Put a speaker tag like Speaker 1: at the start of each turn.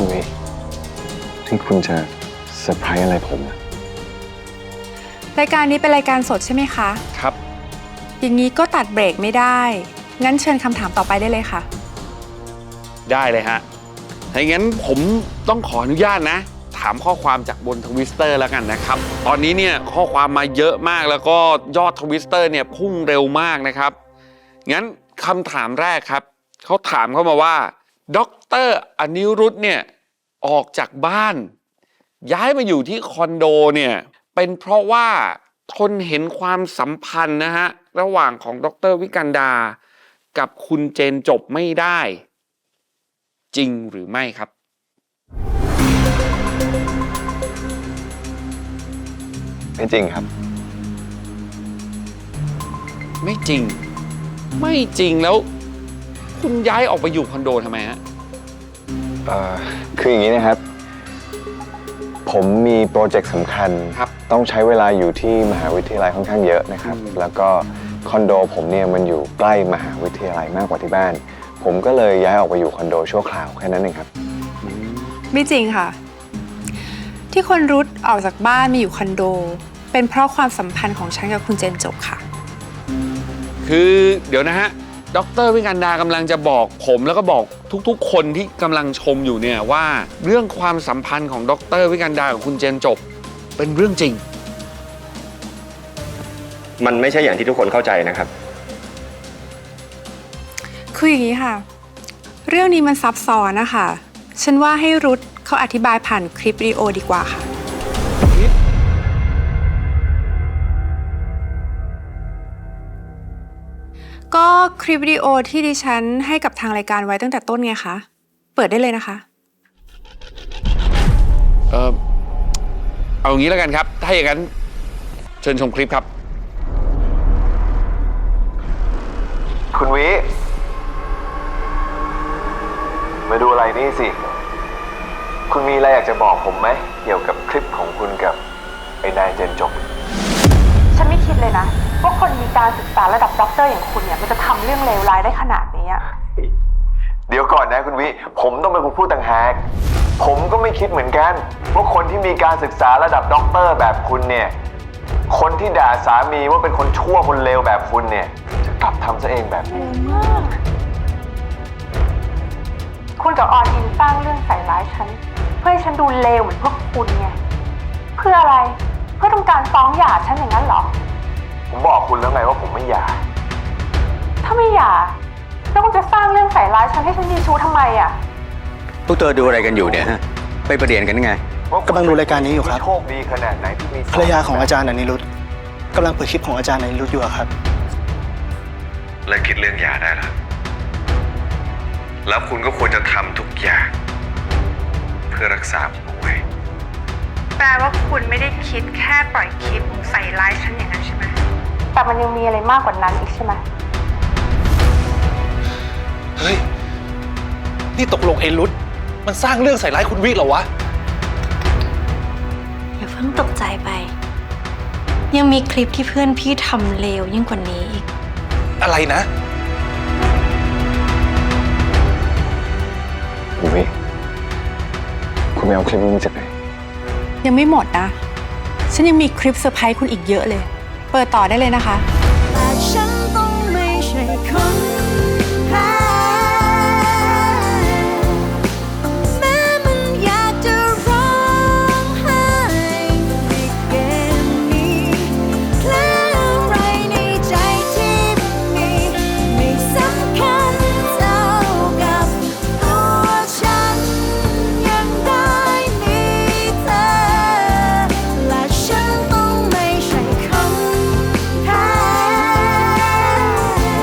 Speaker 1: คุณวิที่คุณจะเซอร์ไพรส์อะไรผมอะ
Speaker 2: รายการนี้เป็นรายการสดใช่ไหมคะ
Speaker 3: ครับ
Speaker 2: อย่างนี้ก็ตัดเบรกไม่ได้งั้นเชิญคำถามต่อไปได้เลยค่ะ
Speaker 3: ได้เลยฮะถ้าอย่างนั้นผมต้องขออนุญาตนะถามข้อความจากบนทวิสเตอร์แล้วกันนะครับตอนนี้เนี่ยข้อความมาเยอะมากแล้วก็ยอดทวิสเตอร์เนี่ยพุ่งเร็วมากนะครับงั้นคำถามแรกครับเขาถามเข้ามาว่าดร.อนิรุทธเนี่ยออกจากบ้านย้ายมาอยู่ที่คอนโดเนี่ยเป็นเพราะว่าทนเห็นความสัมพันธ์นะฮะระหว่างของดร.วิกันดากับคุณเจนจบไม่ได้จริงหรือไม่ครับ
Speaker 1: ไม่จริงครับ
Speaker 3: ไม่จริงไม่จริงแล้วคุณย้ายออกไปอยู่คอนโดทำไมฮะ
Speaker 1: คืออย่างนี้นะครับผมมีโปรเจกต์สำคัญต้องใช้เวลาอยู่ที่มหาวิทยาลัยค่อนข้างเยอะนะครับแล้วก็คอนโดผมเนี่ยมันอยู่ใกล้มหาวิทยาลัยมากกว่าที่บ้านผมก็เลยย้ายออกไปอยู่คอนโดชั่วคราวแค่นั้นเองครับ
Speaker 2: ไม่จริงค่ะที่คนรุทออกจากบ้านมาอยู่คอนโดเป็นเพราะความสัมพันธ์ของฉันกับคุณเจนจบค่ะ
Speaker 3: คือเดี๋ยวนะฮะดร.วิกันดากำลังจะบอกผมแล้วก็บอกทุกๆคนที่กำลังชมอยู่เนี่ยว่าเรื่องความสัมพันธ์ของดร.วิกันดากับคุณเจนจบเป็นเรื่องจริง
Speaker 4: มันไม่ใช่อย่างที่ทุกคนเข้าใจนะครับ
Speaker 2: คืออย่างนี้ค่ะเรื่องนี้มันซับซ้อนนะคะฉันว่าให้รุทเขาอธิบายผ่านคลิปวิดีโอดีกว่าค่ะก็คลิปวิดีโอที่ดิฉันให้กับทางรายการไว้ตั้งแต่ต้นไงคะเปิดได้เลยนะคะ
Speaker 3: เอางี้แล้วกันครับถ้าอย่างนั้นเชิญชมคลิปครับ
Speaker 1: คุณวิมาดูอะไรนี่สิคุณมีอะไรอยากจะบอกผมไหมเกี่ยวกับคลิปของคุณกับไอ้นายเจนจบ
Speaker 5: ฉันไม่คิดเลยนะว่าคนมีการศึกษาระดับด็อกเตอร์อย่างคุณเนี่ยมันจะทำเรื่องเลวร้ายได้ขนาดนี้
Speaker 1: เดี๋ยวก่อนนะคุณวิผมต้องเป็นคนพูดต่างหากผมก็ไม่คิดเหมือนกันว่าคนที่มีการศึกษาระดับด็อกเตอร์แบบคุณเนี่ยคนที่ด่าสามีว่าเป็นคนชั่วคนเลวแบบคุณเนี่ยจะกลับทำซะเองแบบนี้
Speaker 5: คุณกับออนอินสร้างเรื่องใส่ร้ายฉันเพื่อให้ฉันดูเลวเหมือนพวกคุณไงเพื่ออะไรเพื่อต้องการฟ้องหย่าฉันอย่างนั้นเหรอ
Speaker 1: ผมบอกคุณแล้วไงว่าผมไม่หย่า
Speaker 5: ถ้าไม่หย่าแล้วคุณจะสร้างเรื่องใส่ร้ายฉันให้ฉันมีชู้ทำไมอ่ะ
Speaker 4: พวกเธอดูอะไรกันอยู่เนี่ยฮะไปประเด็นกันไง
Speaker 6: กำลังดูรายการนี้อยู่ครับ
Speaker 1: โชคดีขนาดไหนที่มี
Speaker 6: ภรรยาของอาจารย์อนิรุทธกำลังเปิดคลิปของอาจารย์อนิรุทธอยู่ครับ
Speaker 1: และคิดเรื่องหย่าได้แล้วคุณก็ควรจะทำทุกอย่างเพื่อรักษาผมเอาไว้
Speaker 2: แปลว่าคุณไม่ได้คิดแค่ปล่อยคลิปใส่ร้ายฉันอย่างนั้นใช่ไหม
Speaker 5: แต่มันยังมีอะไรมากกว่านั้นอีกใช่ไหม
Speaker 6: เฮ้ยนี่ตกลงไอ้รุทธมันสร้างเรื่องใส่ร้ายคุณวิเหรอวะ
Speaker 7: อย่าเพิ่งตกใจไปยังมีคลิปที่เพื่อนพี่ทำเลวยิ่งกว่านี้อีก
Speaker 6: อะไรนะ
Speaker 1: คุณวิคุณไปเอาคลิปนี้มาจากไหน
Speaker 2: ยังไม่หมดนะฉันยังมีคลิปเซอร์ไพรส์คุณอีกเยอะเลยเปิดต่อได้เลยนะคะแต่ฉันต้องไม่ใช่คน